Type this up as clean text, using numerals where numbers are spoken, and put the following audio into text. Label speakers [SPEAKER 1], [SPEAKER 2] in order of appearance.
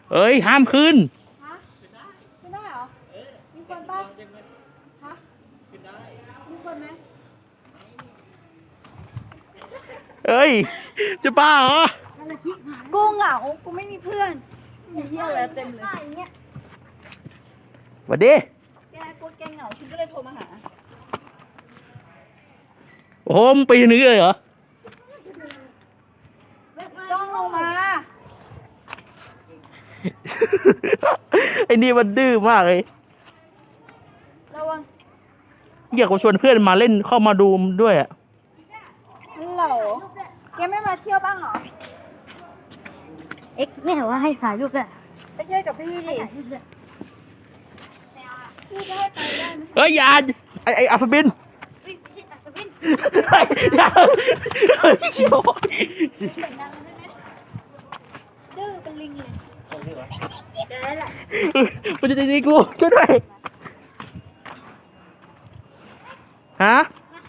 [SPEAKER 1] เอ้ยห้ามขึ้น
[SPEAKER 2] ฮะขึ้นได้เหรอมีคนป่ะฮะมีคนไหม
[SPEAKER 1] เอ้ยจะบ้าเหรอ
[SPEAKER 2] กูเหงากูไม่มีเพื่อนมีเที่ยวแล้วเต็มเลย
[SPEAKER 1] สวัสดี
[SPEAKER 2] แกกลัวแกเหงาฉันก็เลยโทรมาหา
[SPEAKER 1] โอ้โหมึงปีนนี้เลยเหรอ
[SPEAKER 2] ต้องลงมา
[SPEAKER 1] ไอ้นี่มันดื้อมากเลย
[SPEAKER 2] ระวัง
[SPEAKER 1] อยากจะชวนเพื่อนมาเล่นเข้ามาดูด้วยอ่ะ
[SPEAKER 2] ฮัลโหลแกไม่มาเที่ยวบ้างเหรอ
[SPEAKER 3] เอ็กเนี่ยว่าให้สายลูกอะ
[SPEAKER 2] ไปเที่ยวกับพี่ดิพี่จะให้ไปได้ไหม
[SPEAKER 1] เฮ้ยอย่าไอ้อัฟบิน
[SPEAKER 3] ไม่ใช่ตัดสวิน
[SPEAKER 1] อย่าโอ้ย
[SPEAKER 3] เสียงดังได้ไหมดื้อเป็นลิงเลยเดี๋ยวแหละ
[SPEAKER 1] มันจะตีกูช่วยด้วยฮะ